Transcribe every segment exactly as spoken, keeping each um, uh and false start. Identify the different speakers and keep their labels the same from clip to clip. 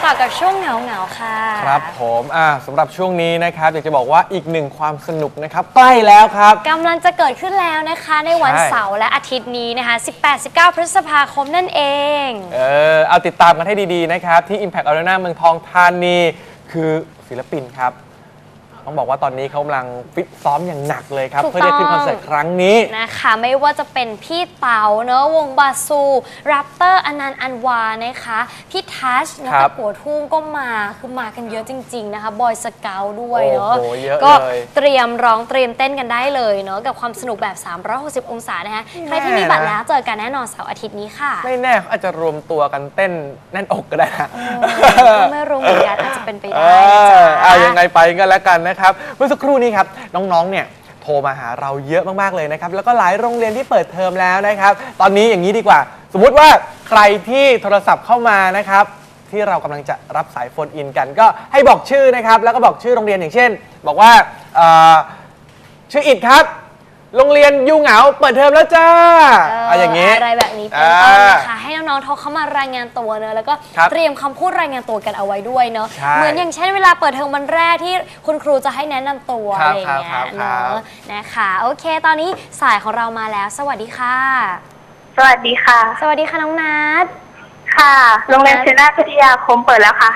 Speaker 1: ต่อกับช่วงเหงาเหงาค่ะ
Speaker 2: ครับผมอ่าสำหรับช่วงนี้นะครับอยากจะบอกว่าอีกหนึ่งความสนุกนะครับใกล้แล้วครับ
Speaker 1: กำลังจะเกิดขึ้นแล้วนะคะในวันเสาร์และอาทิตย์นี้นะคะ สิบแปด สิบเก้า พฤษภาคมนั่นเอง
Speaker 2: เออเอาติดตามกันให้ดีๆนะครับที่ Impact Arena เมืองทองธานีคือศิลปินครับต้องบอกว่าตอนนี้เขากำลังฟิตซ้อมอย่างหนักเลยครับเพื่อได้ขึ้นคอนเสิร์ตครั้งนี้
Speaker 1: นะคะไม่ว่าจะเป็นพี่เต๋าเนอะวงบาซูแรปเตอร์อนันต์อันวานะคะพี่ทัชนักปัวทุ่งก็มาคือมากันเยอะจริงๆนะคะบอยสเกลด้วยเนอะก็เตรียมร้องเตรียมเต้นกันได้เลยเนอะกับความสนุกแบบสามร้อยหกสิบองศานะคะใครที่มีบัตรแล้วเจอกันแน่นอนเสาร์อาทิตย์นี้ค่ะ
Speaker 2: ไม่แน่อาจจะรวมตัวกันเต้นแน่นอกก็ได้นะ
Speaker 1: ก็ไม่รู้เหมือนกันอาจจะเป็นไปได้
Speaker 2: จ้ายังไงไปกันแล้วกันนะครับเมื่อสักครู่นี้ครับน้องๆเนี่ยโทรมาหาเราเยอะมากๆเลยนะครับแล้วก็หลายโรงเรียนที่เปิดเทอมแล้วนะครับตอนนี้อย่างนี้ดีกว่าสมมุติว่าใครที่โทรศัพท์เข้ามานะครับที่เรากำลังจะรับสายโฟนอินกันก็ให้บอกชื่อนะครับแล้วก็บอกชื่อโรงเรียนอย่างเช่นบอกว่าชื่ออิดครับโรงเรียนยูเหงาเปิดเทอมแล้วจ้าอะไรอย่างนี้
Speaker 1: อะไรแบบนี้เป็นต้นนะคะให้น้องๆโทรเข้ามารายงานตัวเนอะแล้วก็เตรียมคำพูดรายงานตัวกันเอาไว้ด้วยเนอะเหมือนอย่างเช่นเวลาเปิดเทอมวันแรกที่คุณครูจะให้แนะนำตัวอะไรอย่างเงี้ยเนอะนะคะโอเคตอนนี้สายของเรามาแล้วสวัสดีค่ะ
Speaker 3: สวัสดีค่ะ
Speaker 1: สวัสดีค่ะน้องนัท
Speaker 3: ค่ะโรงเรียนเซนาพิทยาคมเปิดแล้วค่ะ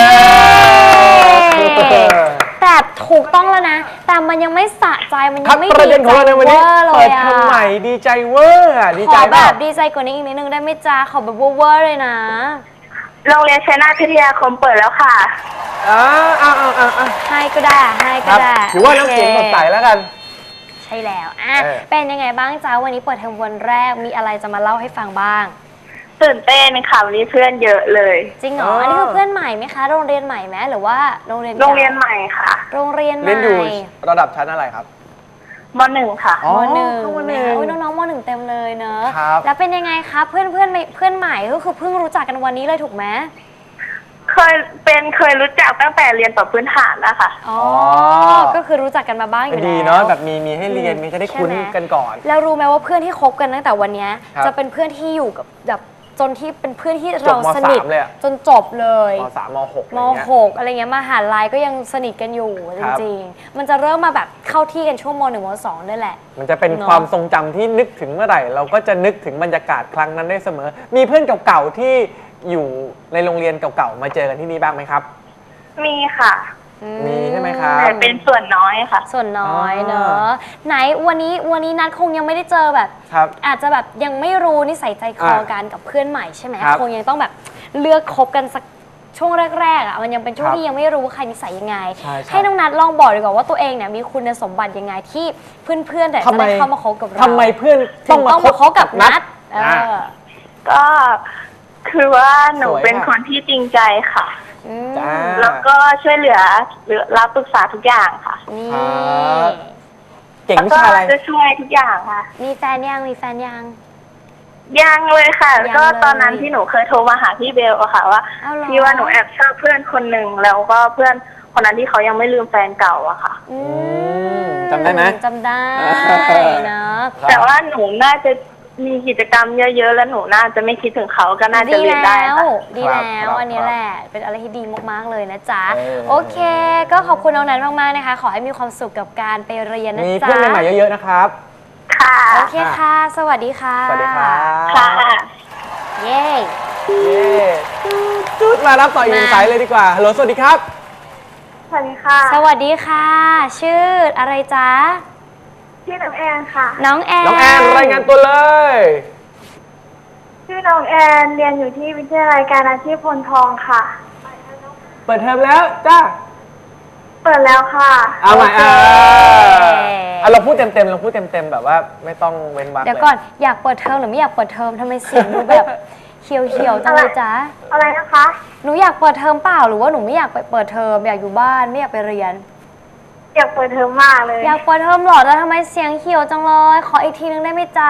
Speaker 1: แต่ถูกต้องแล้วนะแต่มันยังไม่สะใจมันยังไม่
Speaker 2: ดีใจเวอร์เลยอะเปิดเทอมใหม่ดีใจเวอร์ดีใจ
Speaker 1: แบบดีใจกว่านี้อีกนิดนึงได้ไหมจ้าขอแบบเวอร์เลยนะ
Speaker 3: โรงเรียนเซนาพิทยาคมเปิดแล้วค่ะ
Speaker 2: อ่าอ่าอ่าอ่า
Speaker 1: ให้ก็ได้ให้ก็ได้
Speaker 2: ถือว่าน้ำเสียงสดใสแล้วกัน
Speaker 1: ใช่แล้วอ่ะเป็นยังไงบ้างจ้าวันนี้เปิดเทอมวันแรกมีอะไรจะมาเล่าให้ฟังบ้าง
Speaker 3: ตื่นเต้นค่ะวันนี้เพื่อนเยอะเลย
Speaker 1: จริงเหรออันนี้คือเพื่อนใหม่ไหมคะโรงเรียนใหม่ไหมหรือว่าโรงเรียน
Speaker 3: โรงเรียนใหม่ค่ะ
Speaker 1: โรงเรียนใหม่
Speaker 2: เรียนอยู่ระดับชั้นอะไรครับ
Speaker 3: มหนึ่งค่ะ
Speaker 1: มหนึ่งโอ้ยน้องๆมหนึ่งเต็มเลยเนอะแล้วเป็นยังไงคะเพื่อนเพื่อนเพื่อนใหม่ก็คือเพิ่งรู้จักกันวันนี้เลยถูกไหม
Speaker 3: เคยเป็นเคยรู้จักตั้งแต่เรียนต่อพื้นฐานนะคะ
Speaker 1: อ๋อก็คือรู้จักกันมาบ้างอยู่แล้ว
Speaker 2: ดีเนาะแบบมีมีให้เรียนมีจะได้คุ้นกันก่อน
Speaker 1: แล้วรู้ไหมว่าเพื่อนที่คบกันตั้งแต่วันนี้จะเป็นเพื่อนที่อยู่กับแบบจนที่เป็นเพื่อนที่เราสนิทจนจบเลย
Speaker 2: ม.สาม ม.หก
Speaker 1: ม.หกอะไรเงี้ยมหาลัยก็ยังสนิทกันอยู่จริงๆมันจะเริ่มมาแบบเข้าที่กันช่วงม.หนึ่ง ม.สองนี่แหละ
Speaker 2: มันจะเป็นความทรงจำที่นึกถึงเมื่อไหร่เราก็จะนึกถึงบรรยากาศครั้งนั้นได้เสมอมีเพื่อนเก่าๆที่อยู่ในโรงเรียนเก่าๆมาเจอกันที่นี่บ้างไหมครับ
Speaker 3: มีค่ะ
Speaker 2: มีใช่ไหมครับ
Speaker 3: แต่เป็นส่วนน้อยค่ะ
Speaker 1: ส่วนน้อยเนอะไหนวันนี้วันนี้นัดคงยังไม่ได้เจอแบบอาจจะแบบยังไม่รู้นิสัยใจคอกันกับเพื่อนใหม่ใช่ไหมคงยังต้องแบบเลือกคบกันสักช่วงแรกๆอ่ะมันยังเป็นช่วงที่ยังไม่รู้ว่าใครนิสัยยังไงให้น้องนัดลองบอกดีกว่าว่าตัวเองเนี่ยมีคุณสมบัติยังไงที่เพื่อนๆแต่จะได้เข้ามาคบกับเรา
Speaker 2: ทำไมเพื่อนต้องมา
Speaker 1: คบกับนัด
Speaker 3: ก็คือว่าหนูเป็นคนที่จริงใจค่ะแล้วก็ช่วยเหลือหรือรับปรึกษาทุกอย่างค่ะ
Speaker 1: นี่
Speaker 2: เก่งวิชาอะไร
Speaker 3: จะช่วยทุกอย่างค่ะ
Speaker 1: มีแฟนยังมีแฟนยัง
Speaker 3: ยังเลยค่ะก็ตอนนั้นที่หนูเคยโทรมาหาพี่เบลอะค่ะว่าพี่ว่าหนูแอบชอบเพื่อนคนหนึ่งแล้วก็เพื่อนคนนั้นที่เขายังไม่ลืมแฟนเก่าอะค่ะ
Speaker 2: จำได้ไหม
Speaker 1: จำได้นะ
Speaker 3: แต่ว่าหนูน่าจะมีกิจกรรมเยอะๆแล้วหนูน่าจะไม่คิดถึงเขาก็น่าจะเรียนได้ค่ะ
Speaker 1: ดีแล้วอันนี้แหละเป็นอะไรที่ดีมากๆเลยนะจ๊ะโอเคก็ขอบคุณน้องนัทมากๆนะคะขอให้มีความสุขกับการไปเรียนนะจ๊ะ
Speaker 2: มีเพื่อนใหม่ๆเยอะๆนะครับ
Speaker 3: ค่ะ
Speaker 1: โอเคค่ะสวัสดีค่ะ
Speaker 2: สวัสดีค่ะ
Speaker 3: ค่ะ
Speaker 1: เย้
Speaker 2: เย้จุดมารับต่ออีกหนึ่งสายเลยดีกว่าฮัลโหลสวัสดีครับ
Speaker 3: สวัสดีค่ะ
Speaker 1: สวัสดีค่ะชื่ออะไรจ๊ะ
Speaker 3: ชื่อน้องแอนค่ะ
Speaker 1: น้องแอน
Speaker 2: น้องแอนรายงานตัวเลย
Speaker 3: ชื่อน้องแอนเรียนอยู่ที่วิทยาลัยการอาชีพพลทองค่ะ
Speaker 2: เปิดเทอมแล้วจ้า
Speaker 3: เปิดแล้วค่ะ
Speaker 2: เอาใหม่อ่าเราพูดเต็มๆเราพูดเต็มๆแบบว่าไม่ต้องเว้นวรรค
Speaker 1: เดี๋ยวก่อนอยากเปิดเทอมหรือไม่อยากเปิดเทอมทำไมเสียงดูแบบเขียวๆจังเลยจ๊ะ
Speaker 3: อะไรนะคะ
Speaker 1: หนูอยากเปิดเทอมเปล่าหรือว่าหนูไม่อยากไปเปิดเทอมอยากอยู่บ้านไม่อยากไปเรียน
Speaker 3: อยากเปิดเทอมมากเลย
Speaker 1: อยากเปิดเทอมหรอแล้วทำไมเสียงเขียวจังเลยขออีกทีนึงได้ไหมจ๊ะ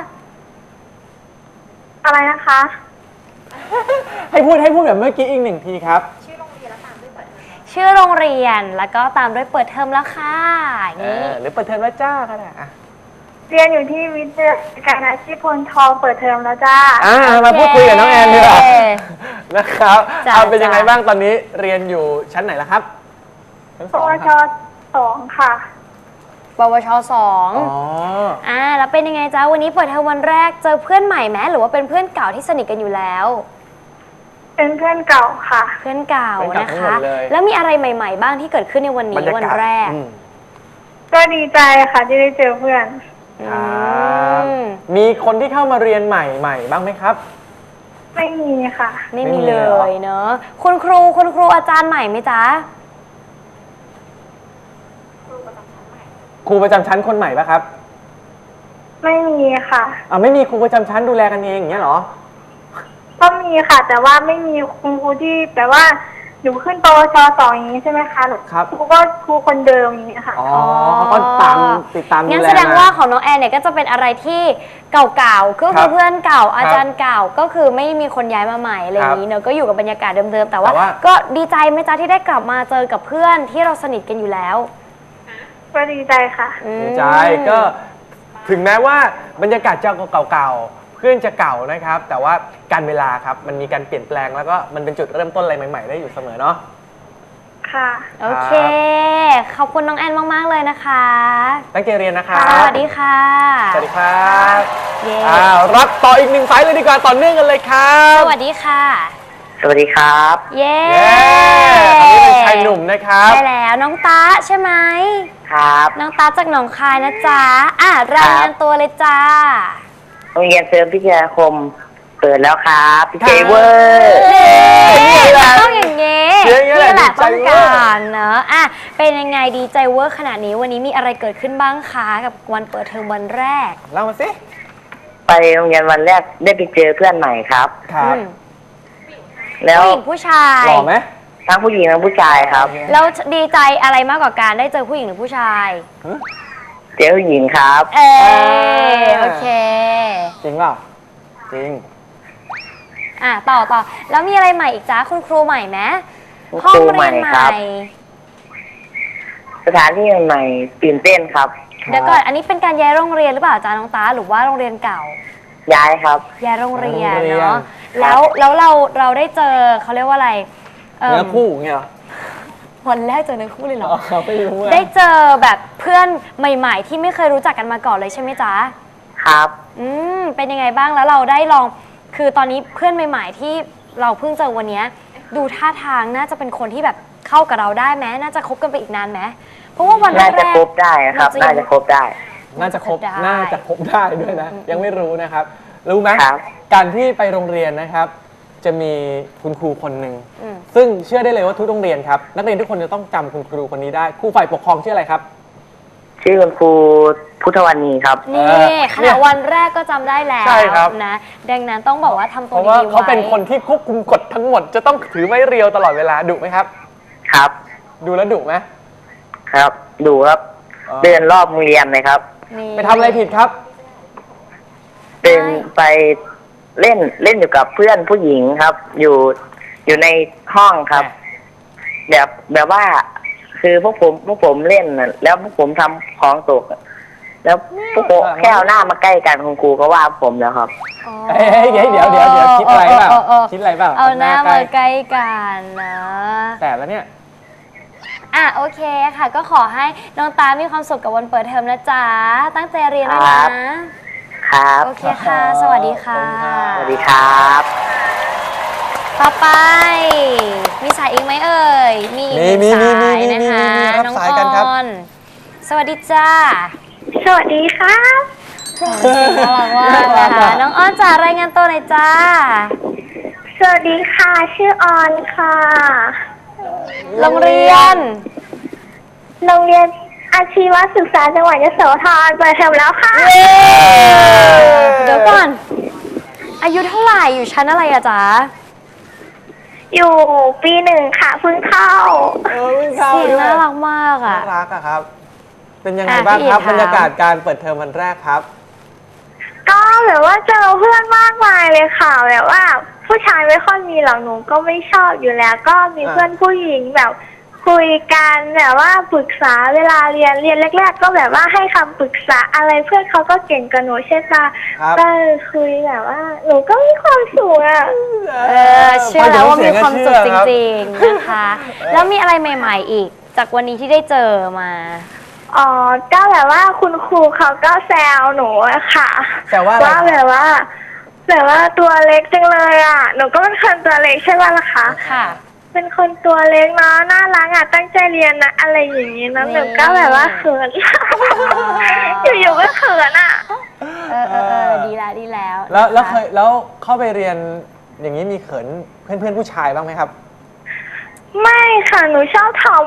Speaker 3: อะไรนะคะ
Speaker 2: ให้พูดให้พูดแบบเมื่อกี้อีกหนึ่งทีครับ
Speaker 1: ชื่อโรงเรียนแล้วตามด้วยเปิดเทอมชื่อโรงเรียนแล้วก็ตามด้วยเปิดเทอมแล้วค่ะ
Speaker 2: อย่างนี้หรือเปิดเทอมแล้วจ้าก็ได้อะ
Speaker 3: เรียนอยู่ที่วิทยาการอาชีพพลทองเปิดเทอมแล้วจ้า
Speaker 2: อ่า
Speaker 1: โอเค
Speaker 2: มาพูดคุยกับน้องแอนดีกว่านะครับ
Speaker 1: จ้ะ
Speaker 2: เอาเป็นยังไง
Speaker 1: จ้ะ
Speaker 2: บ้างตอนนี้เรียนอยู่ชั้นไหนแล้วครับชั้น
Speaker 3: ป
Speaker 2: สอง
Speaker 3: ว
Speaker 2: ค
Speaker 3: ช
Speaker 2: รับ
Speaker 3: สองค่ะ
Speaker 1: ปวชสอง
Speaker 2: อ๋อ
Speaker 1: อ่าแล้วเป็นยังไงจ๊ะวันนี้เปิดเทอมวันแรกเจอเพื่อนใหม่ไหมหรือว่าเป็นเพื่อนเก่าที่สนิทกันอยู่แล้ว
Speaker 3: เป็นเพื่อนเก่าค่ะ
Speaker 1: เพื่อนเก่า
Speaker 2: เพื่อนเก่า
Speaker 1: นะ
Speaker 2: ทั้งหม
Speaker 1: คะ
Speaker 2: ดเลย
Speaker 1: แล้วมีอะไรใหม่ ๆ บ้างที่เกิดขึ้นในวัน
Speaker 2: บร
Speaker 1: นี้
Speaker 2: รยา
Speaker 1: วัน
Speaker 2: กาศ
Speaker 1: แรก
Speaker 2: อืม
Speaker 3: ก็ดีใจค่ะที่ได้เจอเพื่อน
Speaker 2: ครับ
Speaker 1: อืม
Speaker 2: มีคนที่เข้ามาเรียนใหม่ใหม่บ้างไหมครับ
Speaker 3: ไม่มีค่ะ
Speaker 1: ไม่
Speaker 2: ไม่
Speaker 1: มี
Speaker 2: มี
Speaker 1: เล
Speaker 2: เลยเหรอ
Speaker 1: ยเนอะคุณครูคุณครูอาจารย์ใหม่ไหมจ๊ะ
Speaker 2: ครูประจำชั้นคนใหม่ปะครับ
Speaker 3: ไม่มีค่ะ
Speaker 2: อ่าไม่มีครูประจำชั้นดูแลกันเองอย่างเงี้ยเหรอ
Speaker 3: ก็มีค่ะ แต่ว่าไม่มีคุณครูที่แต่ว่าหนูขึ้นปวชสองอย่างนี้ใช่ไหมคะหนู
Speaker 2: ครับ
Speaker 3: ครูก็ครูคนเดิมอย่างนี้ค่ะ
Speaker 2: อ๋อเขาก็ตามติดตามดูแล
Speaker 1: งั้นแสดงว่าของน้องแอนเนี่ยก็จะเป็นอะไรที่เก่าๆก็
Speaker 2: ค
Speaker 1: คื
Speaker 2: รั
Speaker 1: อบ เพื่อนเก่าอา
Speaker 2: ครับ
Speaker 1: จารย์เก่าก็คือไม่มีคนย้ายมาใหม่อะไรอย่างนี้เนอะก็อยู่กับบรรยากาศเดิมๆแต่ว่า
Speaker 2: แต่ว่า
Speaker 1: ก็ดีใจไหมจ๊ะที่ได้กลับมาเจอกับเพื่อนที่เราสนิทกันอยู่แล้ว
Speaker 3: ก็ดีใจค่ะ
Speaker 1: อืม
Speaker 2: ดีใจก็ถึงแม้ว่าบรรยากาศจะเก่าๆเพื่อนจะเก่านะครับ แต่ว่าการเวลาครับมันมีการเปลี่ยนแปลงแล้วก็มันเป็นจุดเริ่มต้นอะไรใหม่ ๆ ได้อยู่เสมอเนาะ
Speaker 3: ค่ะ
Speaker 1: โอเค ขอบคุณน้องแอนมาก ๆ เลยนะคะ
Speaker 2: ตั้งใจเรียนนะครับ
Speaker 1: สวัสดีค่ะ
Speaker 2: สวัสดีครับ
Speaker 1: เย้
Speaker 2: อ่ารับต่ออีกหนึ่งสายเลยดีกว่าต่อเนื่องกันเลยครับ
Speaker 1: สวัสดีค่ะ
Speaker 4: สวัสดีครับ
Speaker 1: เย้
Speaker 2: เย้ตอนนี้เป็นชายหนุ่มนะครับ
Speaker 1: ใช่แล้วน้องตาใช่ไหม
Speaker 4: ครับ
Speaker 1: น้องตาจากหนองคายนะจ๊ะอ่ะรายงานตัวเลยจ้า
Speaker 4: โรงเรียนเสริมพิทยาคมเปิดแล้วครับพี่เจเวอร์
Speaker 1: เย้ต้องอย่างเงี้
Speaker 2: เสียงอย่างเงี้ย
Speaker 1: นี่แหละ
Speaker 2: ดีใจ
Speaker 1: ต้อง
Speaker 2: เวอร์
Speaker 1: การเนอะอ่ะเป็นยังไงดีใจเวอร์ขนาดนี้วันนี้มีอะไรเกิดขึ้นบ้างคะกับวันเปิดเทอมวันแรก
Speaker 2: เล่ามาสิ
Speaker 4: ไปโรงเรียนวันแรกได้ไปเจอเพื่อนใหม่ครับ
Speaker 2: ครับ
Speaker 1: อืม
Speaker 4: แล้ว
Speaker 1: ผู้หญิงผู้ชาย
Speaker 2: หล่อไหม
Speaker 4: ทั้งผู้หญิงทั้งผู้ชายครับ
Speaker 1: แล้วดีใจอะไรมากกว่าการได้เจอผู้หญิงหรือผู้ชาย
Speaker 4: เจอผู้หญิงครับ
Speaker 1: เออโอเค
Speaker 2: จริงเปล่าจริง
Speaker 1: อ่ะต่อต่อแล้วมีอะไรใหม่อีกจ้าคุณครูใหม่ไหม
Speaker 4: คุณ
Speaker 1: ห้อ
Speaker 4: ค
Speaker 1: ง
Speaker 4: รู
Speaker 1: เรี
Speaker 4: ใหม่
Speaker 1: ยนให
Speaker 4: ครั
Speaker 1: ม่
Speaker 4: บ สถานที่ใหม่ๆตื่นเต้นครับ
Speaker 1: เดี๋ยวก่อนอันนี้เป็นการย้ายโรงเรียนหรือเปล่าจ้าน้องตาหรือว่าโรงเรียนเก่า
Speaker 4: ย้ายครับ
Speaker 1: ย้ายโรงเรียน
Speaker 2: โรงเรียน
Speaker 1: เนาะแล้วแล้วเราเราได้เจอเขาเรียกว่าอะไร
Speaker 2: เนื้อคู่เงี้ยเหรอ
Speaker 1: วันแรกเจอเนื้อคู่เลยเหรอ
Speaker 2: อ๋อไม่รู้อะ
Speaker 1: ได้เจอแบบเพื่อนใหม่ ๆ ที่ไม่เคยรู้จักกันมาก่อนเลยใช่ไหมจ๊ะ
Speaker 4: ครับ
Speaker 1: อืมเป็นยังไงบ้างแล้วเราได้ลองคือตอนนี้เพื่อนใหม่ ๆ ที่เราเพิ่งเจอวันเนี้ยดูท่าทางน่าจะเป็นคนที่แบบเข้ากับเราได้ไหมน่าจะคบกันไปอีกนานไหมเพราะว่าวันแร
Speaker 4: น่าก จะครบได้ครับ
Speaker 1: เร
Speaker 4: น่าจะครบได้
Speaker 2: น่าจะครบ
Speaker 1: ได้
Speaker 2: น่าจะครบได้ด้วยนะ ยังไม่รู้นะครับ รู้ไหม
Speaker 4: ครับ
Speaker 2: การที่ไปโรงเรียนนะครับ จะมีคุณครูคนหนึ่ง
Speaker 1: อืม
Speaker 2: ซึ่งเชื่อได้เลยว่าทุกโรงเรียนครับ นักเรียนทุกคนจะต้องจำคุณครูคนนี้ได้ ครูฝ่ายปกครองชื่ออะไรครับ
Speaker 4: ชื่อคุณครูพุทธวรรณีครับ
Speaker 1: นี่
Speaker 2: เออ
Speaker 1: ขนาดวันแรกก็จำได้แล้ว
Speaker 2: ใช่ครับ
Speaker 1: นะดังนั้นต้องบอกว่าทำ
Speaker 2: เพ
Speaker 1: ตัว
Speaker 2: ราะว่า
Speaker 1: ดีๆไว้
Speaker 2: เขาเป็นคนที่ควบคุมกฎทั้งหมด จะต้องถือไม้เรียวตลอดเวลาดุไหมครับ
Speaker 4: ครับ
Speaker 2: ดูแล้วดุไหม
Speaker 4: ครับ ดูครับ
Speaker 2: อ๋อ
Speaker 4: เดินรอบโรงเรียนเลยครับ
Speaker 1: นี่
Speaker 2: ไปทำอะไรผิดครับ
Speaker 4: เดินไปเล่นเล่นอยู่กับเพื่อนผู้หญิงครับ อยู่อยู่ในห้องครับ แบบแบบว่า คือพวกผมพวกผมเล่นน่ะแล้วพวกผมทำของตกอะแล้วพวกผมแค่เอาหน้ามาใกล้กันคุณครูก็ว่าผมแล้วครับ
Speaker 1: อ๋อ
Speaker 2: เอ้ยเดี๋ยวเดี๋ยวเดี๋ยวเดี๋ยวคิดอะไรเปล่า
Speaker 1: เออเออเออ
Speaker 2: คิดอะไรเปล่า
Speaker 1: เอาหน้า
Speaker 2: ใก
Speaker 1: มา
Speaker 2: ล้
Speaker 1: ใกล้กันนะ
Speaker 2: แต่แล้วเนี่ย
Speaker 1: อ่ะโอเคค่ะ ก็ขอให้น้องตามีความสุขกับวันเปิดเทอมนะจ๊ะตั้งใจเรียนด้วย
Speaker 4: ครั
Speaker 1: นะ
Speaker 4: บ ครับ
Speaker 1: โอเคค่ะ สวัสดีค่ะ
Speaker 4: สวัสดีครับ
Speaker 1: ต่อไป มีสายอีกไหมเอ่ย มีอีกหนึ่ง
Speaker 2: มีมี
Speaker 1: สาย
Speaker 2: มีมี
Speaker 1: นะคะ
Speaker 2: มีมีรับ
Speaker 1: น้อง
Speaker 2: สายกันครับ
Speaker 1: ออนสวัสดีจ้า
Speaker 3: สวัสดีครับ
Speaker 1: เสียงน่ารักมากนะคะ น้องอ้อนจ๋ารายงานตัวหน่อยจ้า
Speaker 3: สวัสดีค่ะ ชื่อออนค่ะ
Speaker 1: โรงเรียน
Speaker 3: โรงเรียนอาชีวศึกษาจังหวัดยโสธรเปิดเทอมแล้วค่ะ
Speaker 1: เดี๋ยวก่อน อายุเท่าไหร่อยู่ชั้นอะไรอะจ๊ะ
Speaker 3: อยู่ปีหนึ่งค่ะเพิ่งเข้า
Speaker 2: เออวิ่งเข้า
Speaker 1: เสียง
Speaker 2: ด้วย
Speaker 1: น่ารักมาก
Speaker 2: น่า
Speaker 1: อะ
Speaker 2: รักอะครับ เป็นยังไง
Speaker 1: อ่ะ
Speaker 2: บ้าง
Speaker 1: พี่
Speaker 2: ครับ
Speaker 1: ถาม
Speaker 2: บรรยากาศการเปิดเทอมวันแรกครับ
Speaker 3: ก็แบบว่าเจอเพื่อนมากมายเลยค่ะแบบว่า ผู้ชายไม่ค่อยมีหรอกหนูก็ไม่ชอบอยู่แล้ว ก็มี
Speaker 2: อ่า
Speaker 3: เพื่อนผู้หญิงแบบคุคุยกันแบบว่าปรึกษาเวลาเรียนเรียนแรกๆก็แบบว่าให้คำปรึกษาอะไรเพื่อนเขาก็เก่งกับหนูใช่ปะ
Speaker 2: ครับ
Speaker 3: ก็คุยแบบว่าหนูก็มีความสุขอ่ะ
Speaker 1: เออเชื่อแล้วว่ามีความสุขจริงๆนะคะ แล้วมีอะไรใหม่ๆอีก จากวันนี้ที่ได้เจอมา
Speaker 3: อ๋อก็แบบว่าคุณครูเขาก็แซวหนูอะค่ะ
Speaker 2: แซวว่าอะไร
Speaker 3: ว่าแบบว่าแบบว่าตัวเล็กจังเลยอ่ะหนูก็เป็นคนตัวเล็กใช่ป่ะล่ะคะ
Speaker 1: ค่ะ
Speaker 3: เป็นคนตัวเล็กเนาะน่ารักอ่ะตั้งใจเรียนนะอะไรอย่างนี้นะหนูก็แบบว่าเขิน อยู่ๆก็เขินอ่ะ
Speaker 1: เออเออเออดีแล้วดีแล้ว
Speaker 2: แล้วแล้ว
Speaker 1: นะคะ
Speaker 2: เคยแล้วเข้าไปเรียนอย่างนี้มีเขินเพื่อนเพื่อนๆผู้ชายบ้างไหมครับ
Speaker 3: ไม่ค่ะหนูชอบทอม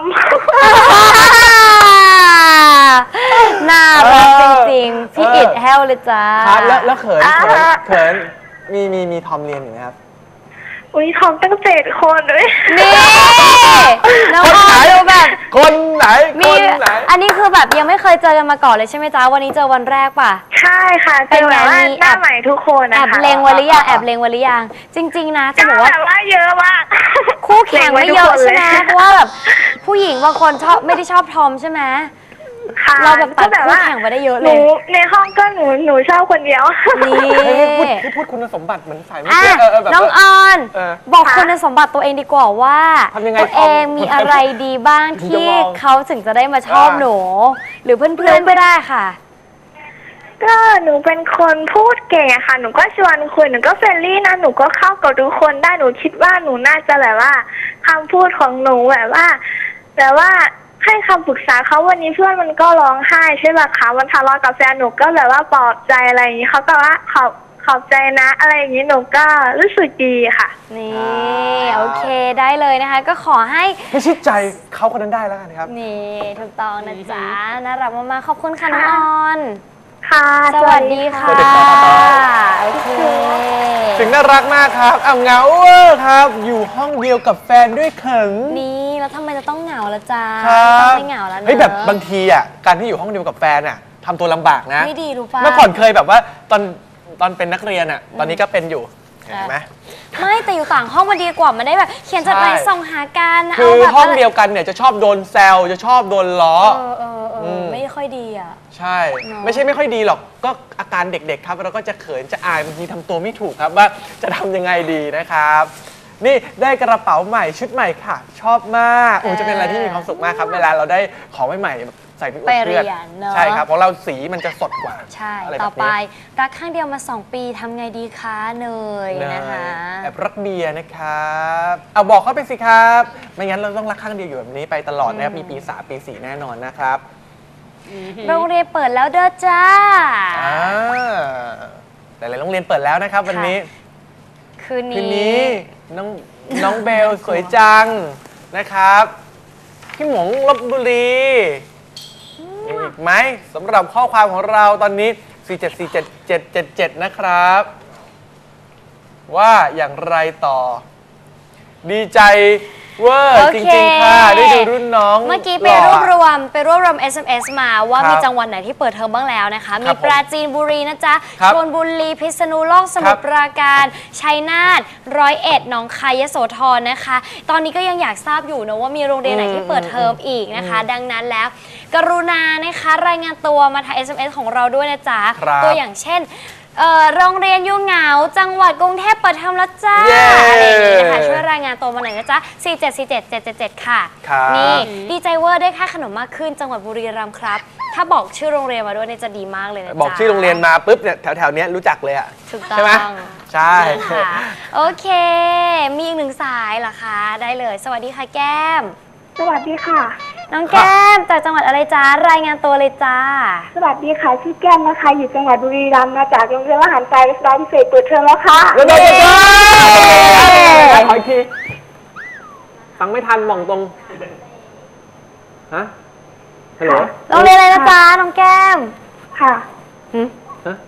Speaker 1: น่ารักจริงๆ พี่อิดแฮวเลยจ้า
Speaker 2: ครับแล้วแล้วเขินเขิน
Speaker 3: อ่า
Speaker 2: เขินมีมีมีทอมเรียนอยู่ไหมครับ
Speaker 3: อุ้ยทอมตั้งเจ็ดคนเลย
Speaker 1: นี่น้อง
Speaker 2: คน
Speaker 1: อ
Speaker 2: ไหน
Speaker 1: อนดูแบบ
Speaker 2: คนไหน
Speaker 1: มี
Speaker 2: คนไหน
Speaker 1: อันนี้คือแบบยังไม่เคยเจอกันมาก่อนเลยใช่ไหมจ๊ะวันนี้เจอวันแรกป่ะ
Speaker 3: ใช่ค่ะ
Speaker 1: เป็
Speaker 3: เจ
Speaker 1: น
Speaker 3: อ
Speaker 1: ไง
Speaker 3: แบบว่า
Speaker 1: มี
Speaker 3: ห
Speaker 1: แอบ
Speaker 3: น้าใหม่ทุกคน
Speaker 1: แอ
Speaker 3: นะ
Speaker 1: บ
Speaker 3: คะ
Speaker 1: เลงไว้หรือยังแอบเลงไว้หรือยังจริง ๆ นะจะ
Speaker 3: ก็
Speaker 1: บอกว่า
Speaker 3: แบบว่าเยอะมาก
Speaker 1: คู่แข่งไม่เยอะใช่ไหม
Speaker 3: เล็งว้ทุกคนเลย
Speaker 1: เพราะว่าแบบผู้หญิงบางคนชอบไม่ได้ชอบทอมใช่ไหม
Speaker 3: ค่ะ
Speaker 1: เราแบบตัด
Speaker 3: ก็
Speaker 1: คู่แข่งไปได้เยอะ
Speaker 3: ห
Speaker 1: เล
Speaker 3: นู
Speaker 1: ย
Speaker 3: ในห้องก็หนูหนูชอบคนเดียว
Speaker 1: นี่
Speaker 2: เฮ้ยพูดพูดคุณสมบัติเหมือนสายไม่
Speaker 1: อ่ะ
Speaker 2: เชื่อเออเออแบบ
Speaker 1: น้อง
Speaker 2: ว่า
Speaker 1: ออน
Speaker 2: เออ
Speaker 1: บอก
Speaker 3: ค่ะ
Speaker 1: คุณสมบัติตัวเองดีกว่าว่า
Speaker 2: ทำยังไง
Speaker 1: ตัวเองมีอะไรดีบ้าง
Speaker 2: ถึงจะ
Speaker 1: ที่
Speaker 2: มอง
Speaker 1: เขาถึงจะได้มาชอบ
Speaker 2: อ่า
Speaker 1: หนู หรือเพื่อนๆก็ได้ค่ะ
Speaker 3: ก็หนูเป็นคนพูดเก่งอะค่ะ หนูก็ชวนคุยหนูก็เฟรนลี่นะหนูก็เข้ากับทุกคนได้หนูคิดว่าหนูน่าจะแบบว่าคำพูดของหนูแบบว่าแบบว่าให้คำปรึกษาเขาวันนี้เพื่อนมันก็ร้องไห้ใช่ไหมคะมันทะเลาะกับแฟนหนูก็แบบว่าปลอบใจอะไรอย่างนี้เขาก็ว่าขอบขอบใจนะ อะไรอย่างนี้หนูก็รู้สึกดีค่ะ
Speaker 1: นี่โอเคได้เลยนะคะ ก็ขอให้
Speaker 2: ไม่ชิดใจเขาคนนั้นได้แล้วกันครับ
Speaker 1: นี่ถูกต้องนะจ๊ะน่ารักมากๆขอบคุณค่ะน้องออน
Speaker 3: ค่ะ
Speaker 1: สวัสดีค่ะ
Speaker 2: สวัสดีค่ะ
Speaker 1: โอเค
Speaker 2: ถึงน่ารักมากครับอ่ะเหงาเวอร์ครับ อยู่ห้องเดียวกับแฟนด้วยเขิน
Speaker 1: นี่แล้วทำไมจะต้องเหงาละจ๊ะ
Speaker 2: ครับ
Speaker 1: ต้องไม่เหงาแล้วนะ
Speaker 2: เฮ้ยแบบบางทีอ่ะการที่อยู่ห้องเดียวกับแฟนอ่ะทำตัวลำบากนะ
Speaker 1: ไม่ดีรู้ป่ะ
Speaker 2: เมื่อก่อนเคยแบบว่าตอนตอนเป็นนักเรียนอ่ะ ตอนนี้ก็เป็นอยู่เห็นไหม
Speaker 1: ไม่แต่อยู่ต่างห้องมันดีกว่ามันได้แบบ เขียนจดหมาย
Speaker 2: ใช่
Speaker 1: ส่งหากัน
Speaker 2: คือ
Speaker 1: แบบ
Speaker 2: ห้อง
Speaker 1: ะไร
Speaker 2: เดียวกันเนี่ยจะชอบโดนแซวจะชอบโดนล้อ
Speaker 1: เออเออเอออ
Speaker 2: ม
Speaker 1: ไม่ค่อยดีอ่ะ
Speaker 2: ใช่
Speaker 1: เนอะ
Speaker 2: ไม่ใช่ไม่ค่อยดีหรอกก็อาการเด็กๆครับเราก็จะเขินจะอายบางทีทำตัวไม่ถูกครับว่าจะทำยังไงดีนะครับ นี่ได้กระเป๋าใหม่ชุดใหม่ค่ะ ชอบมากโอ้จะเป็นอะไรที่มีความสุขมากครับ เวลาเราได้ของใหม่ๆแบบใส่ไปอวด
Speaker 1: ไป
Speaker 2: เพื่อน
Speaker 1: เรียนเนอะ
Speaker 2: ใช่ครับเพราะเราสีมันจะสดกว่า
Speaker 1: ใช่
Speaker 2: อะไร
Speaker 1: ต่อ
Speaker 2: แบบ
Speaker 1: ไป
Speaker 2: นี้
Speaker 1: รักข้างเดียวมาสองปีทำไงดีคะเนย
Speaker 2: เนย
Speaker 1: นะคะ
Speaker 2: แอบรักเบียร์นะครับเอาบอกเขาไปสิครับ ไม่งั้นเราต้องรักข้างเดียวอยู่แบบนี้ไปตลอดนะครับมีปีสามปีสี่แน่นอนนะครับ
Speaker 1: โรงเรียนเปิดแล้วเด้อจ้า
Speaker 2: อ่าแต่หลายโรงเรียนเปิดแล้วนะครับ วันนี้
Speaker 1: คืน
Speaker 2: คืน
Speaker 1: นี้
Speaker 2: นี้น้องน้องเบลสวยจังนะครับพี่หมงลบบุรีมีอีกไหมสำหรับข้อความของเราตอนนี้ สี่ เจ็ด สี่ เจ็ด เจ็ด เจ็ด เจ็ด นะครับ ว่าอย่างไรต่อ ดีใจเวอร์
Speaker 1: โอ
Speaker 2: จ
Speaker 1: เค
Speaker 2: ริงๆค่ะ ได้ดูรุ่นน้อง
Speaker 1: เมื่อกี้ไป
Speaker 2: ห
Speaker 1: ร
Speaker 2: ล่
Speaker 1: ว
Speaker 2: อะ
Speaker 1: บรวมไปรวบรวม เอส เอ็ม เอส มาว่า
Speaker 2: ครับ
Speaker 1: มีจังหวัดไหนที่เปิดเทอมบ้างแล้วนะคะ
Speaker 2: ค
Speaker 1: มี
Speaker 2: รับผม
Speaker 1: ปราจีนบุรีนะจ๊ะ
Speaker 2: ครับ
Speaker 1: ชลบุรีพิษณุโลกสมุทรปราการชัยนาทร้อยเอ็ดหนองคายยโสธรนะคะ ตอนนี้ก็ยังอยากทราบอยู่นะว่ามีโรงเรียนไหนที่เปิดเทอมอีกนะคะ ดังนั้นแล้ว กรุณานะคะรายงานตัวมาทาง เอส เอ็ม เอส ของเราด้วยนะจ๊ะ
Speaker 2: ครับ
Speaker 1: ตัวอย่างเช่นเอ่อโรงเรียนยูเหงาจังหวัดกรุงเทพเปิดเทอมแล้วจ้า
Speaker 2: เย้
Speaker 1: อะไรอย่างนี้นะคะช่วยรายงานตัวมาหน่อยนะจ๊ะสี่ เจ็ด สี่ เจ็ด เจ็ด เจ็ด เจ็ดค่ะ
Speaker 2: ครับ
Speaker 1: นี่ดีใจเวอร์ได้ค่าขนมมากขึ้นจังหวัดบุรีรัมย์ครับ ถ้าบอกชื่อโรงเรียนมาด้วยเนี่ยจะดีมากเลยนะจ๊ะ
Speaker 2: บอกชื่อโรงเรียนมาปุ๊บเนี่ยแถวๆเนี้ยรู้จักเลยอะ
Speaker 1: ถูกต้อง
Speaker 2: ใช่ไหมใช่
Speaker 1: ค่ะโอเค มีอีกหนึ่งสายเหรอคะ ได้เลย สวัสดีค่ะแก้ม
Speaker 3: สวัสดีค่ะ
Speaker 1: น้องแก้มจากจังหวัดอะไรจ้ารายงานตัวเลยจ้า
Speaker 3: สวัสดีค่ะชื่อแก้มนะคะ อยู่จังหวัดบุรีรัมย์มาจากโรงเรียนทหารไฟรัชดาพิเศษเปิดเทอมแล้วค่ะ
Speaker 2: แล้วเราจะ
Speaker 1: เย้
Speaker 2: ขออีกทีฟังไม่ทันมองตรง ฮะ ฮัลโหล
Speaker 1: โรงเรียนอะไรนะจ๊ะน้องแก้ม
Speaker 3: ค่ะ
Speaker 2: ฮะ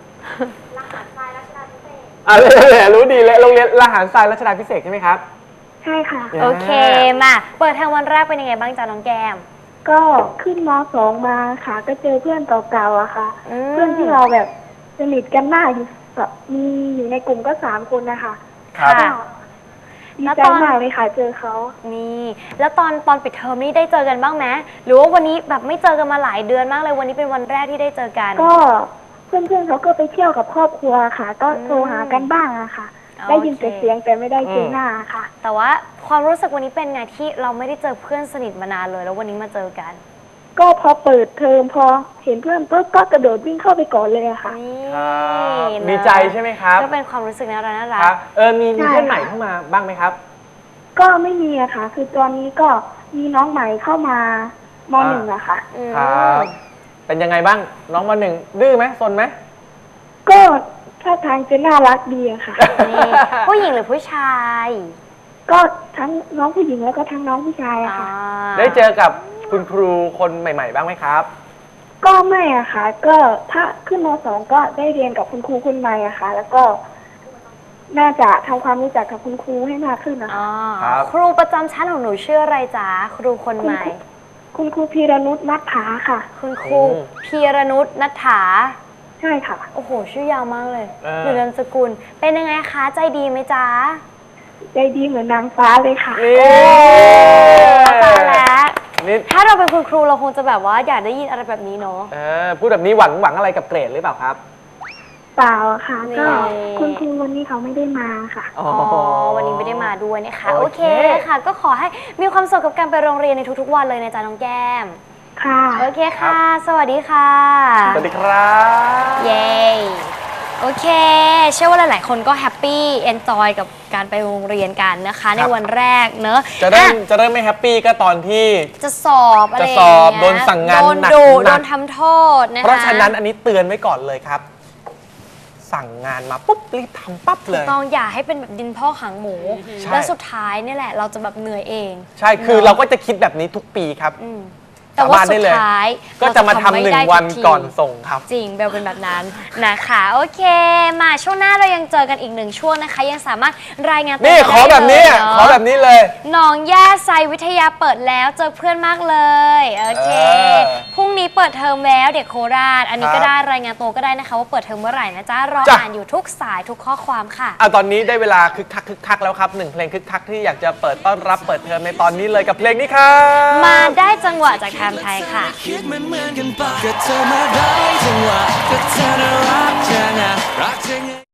Speaker 2: อ่ะเลยรู้ดีเลยโรงเรียนรหารทรายรัชดาพิเศษกใช่ไหมครับ
Speaker 3: ใช่ค่ะ
Speaker 1: โอเคมาเปิดเทอมวันแรกเป็นยังไงบ้างจ้าน้องแก้ม
Speaker 3: ก็ขึ้นมสองมาค่ะ ก็เจอเพื่อนเก่าๆอะค่ะ
Speaker 1: อืม
Speaker 3: เพื่อนที่เราแบบสนิทกันมากอยู่แบบมีอยู่ในกลุ่มก็สามคนนะคะ
Speaker 2: ครับ
Speaker 1: ค่ะ
Speaker 3: ดี
Speaker 1: แล้ว
Speaker 3: ใจ
Speaker 1: ตอน
Speaker 3: มากเลยค่ะเจอเขา
Speaker 1: นี่ แล้วตอนตอนปิดเทอมนี่ได้เจอกันบ้างไหมหรือว่าวันนี้แบบไม่เจอกันมาหลายเดือนมากเลยวันนี้เป็นวันแรกที่ได้เจอกัน
Speaker 3: ก็เพื่อนๆเขาก็ไปเที่ยวกับครอบครัวค่ะ ก็
Speaker 1: อืม
Speaker 3: โทรหากันบ้างอะค่ะ
Speaker 1: โอเค
Speaker 3: ได้ยินแต่เสียงแต่ไม่ได้เจอหน้าค่ะ
Speaker 1: แต่ว่าความรู้สึกวันนี้เป็นไงที่เราไม่ได้เจอเพื่อนสนิทมานานเลย แล้ววันนี้มาเจอกัน
Speaker 3: ก็พอเปิดเทอมพอเห็นเพื่อนปุ๊บก็กระโดดวิ่งเข้าไปก่อนเลยอะค่ะ
Speaker 1: นี่
Speaker 2: ครับ
Speaker 1: นะ
Speaker 2: ดีใจใช่ไหมครับ
Speaker 1: ก็เป็นความรู้สึกน่ารักน่ารั
Speaker 2: ค
Speaker 1: ก
Speaker 2: รับเออมีมี
Speaker 3: ใช่
Speaker 2: เพื่อนใหม่เข้ามาบ้างไหมครับ
Speaker 3: ก็ไม่มีอะค่ะ คือตอนนี้ก็มีน้องใหม่เข้ามามหนึ่งอะค่ะ
Speaker 1: อืม
Speaker 2: ครับเป็นยังไงบ้างน้องมาหนึ่งดื้อไหมซนไหม
Speaker 3: ก็ท่าทางจะน่ารักดีอะค่ะ
Speaker 1: นี่ผู้หญิงหรือผู้ชาย
Speaker 3: ก็ทั้งน้องผู้หญิงแล้วก็ทั้งน้องผู้ชายอะ
Speaker 1: อ่า
Speaker 3: ค่ะ
Speaker 2: ได้เจอกับคุณครูคนใหม่ ๆ บ้างไหมครับ
Speaker 3: ก็ไม่อะค่ะ ก็ถ้าขึ้นมสองก็ได้เรียนกับคุณครูคนใหม่อะค่ะ แล้วก็ น่าจะทำความรู้จักกับคุณครูให้มากขึ้นนะคะ
Speaker 1: อ๋อ
Speaker 2: ครับ
Speaker 1: ครูประจำชั้นของหนูชื่ออะไรจ๊ะครูคนใหม่
Speaker 3: คุณครูพีรนุชนัทถาค่ะ
Speaker 1: คุณครูพีรนุชนัทถา
Speaker 3: ใช่ค่ะ
Speaker 1: โอ้โห ชื่อยาวมากเลย
Speaker 2: เออ
Speaker 1: หรือนามสกุล เป็นยังไงคะ ใจดีไหมจ๊ะ
Speaker 3: ใจดีเหมือนนางฟ้าเลยค่ะ
Speaker 2: นี่
Speaker 1: เข้าใจแล้ว
Speaker 2: นี่
Speaker 1: ถ้าเราเป็นคุณครูเราคงจะแบบว่าอยากได้ยินอะไรแบบนี้เนาะ
Speaker 2: เออพูดแบบนี้หวังหวังอะไรกับเกรดหรือเปล่าครับ
Speaker 3: เปล่าอะค่ะ
Speaker 1: นี่
Speaker 3: ก็คุณครูวันนี้เขาไม่ได้มาค่ะ
Speaker 2: อ๋อ
Speaker 1: อ๋อ วันนี้ไม่ได้มาด้วยนะคะ
Speaker 2: โอ
Speaker 1: โอ
Speaker 2: เค
Speaker 1: เคค่ะ ก็ขอให้มีความสุขกับการไปโรงเรียนในทุกๆวันเลยนะจ๊ะน้องแก้ม
Speaker 3: ค่ะ
Speaker 1: โอเคค่ะ สวัสดีค่ะ
Speaker 2: สวัสดีครับ
Speaker 1: เย้ โอเค เชื่อว่าหลายๆ คนก็แฮปปี้เอนจอยกับการไปโรงเรียนกันนะคะ ในวันแรกเนอะ
Speaker 2: จะเริ่ม
Speaker 1: อ่ะ
Speaker 2: จะเริ่มไม่แฮปปี้ก็ตอนที่
Speaker 1: จะสอบอะไร
Speaker 2: จะ
Speaker 1: อย่าง
Speaker 2: สอบ
Speaker 1: เงี้ย
Speaker 2: โดนสั่งงาน
Speaker 1: โดน
Speaker 2: หนัก
Speaker 1: ดุ
Speaker 2: หนั
Speaker 1: โด
Speaker 2: ก
Speaker 1: นทำโทษนะคะ
Speaker 2: เพราะฉะนั้นอันนี้เตือนไว้ก่อนเลยครับ สั่งงานมาปุ๊บรีบทำปั๊บเลย
Speaker 1: ต้องอย่าให้เป็นแบบดินพ่อขังหมู
Speaker 2: ใช่
Speaker 1: แล้วสุดท้ายเนี่ยแหละ เราจะแบบเหนื่อยเอง
Speaker 2: ใช่คือเราก็จะคิดแบบนี้ทุกปีครับ
Speaker 1: อืมแต่ว่า
Speaker 2: สาบานได้
Speaker 1: สุด
Speaker 2: เลย
Speaker 1: ท้าย
Speaker 2: ก็จะมาทำ
Speaker 1: เร
Speaker 2: หนึ่
Speaker 1: ไได้
Speaker 2: งวัน
Speaker 1: ทุที
Speaker 2: ก่อนส่งครับ
Speaker 1: จริงเบลเป็นแบบนั้นนะคะ โอเค มาช่วงหน้าเรายังเจอกันอีกหนึ่งช่วงนะคะ ยังสามารถรายงานตัว
Speaker 2: นี่
Speaker 1: กั
Speaker 2: ขอแบบนี้
Speaker 1: ได้
Speaker 2: อ่ะ
Speaker 1: เลย
Speaker 2: ขอแบบนี้เลย
Speaker 1: หนองแย่ไซวิทยาเปิดแล้วเจอเพื่อนมากเลยโอเค
Speaker 2: เออ
Speaker 1: พรุ่งนี้เปิดเทอมแล้วเด็กโคราช อันนี้
Speaker 2: ครับ
Speaker 1: ก็ได้รายงานตัวก็ได้นะคะว่าเปิดเทอมเมื่อไหร่นะจ๊ะรอ
Speaker 2: จ้ะ
Speaker 1: อ่านอยู่ทุกสายทุกข้อความค่ะ
Speaker 2: อ่ะตอนนี้ได้เวลาคึกคักคึกคักแล้วครับหนึ่งเพลงคึกคักที่อยากจะเปิดต้อนรับเปิดเทอมในตอนนี้เลยกับเพลงนี้ครับ
Speaker 1: มาได้จังหวะจากไทม์ไทยค่ะ
Speaker 5: คิดเหมือนเหมือนกันปะก็เธอมาได้จังหวะก็เธอน่ารักจังอะรักจัง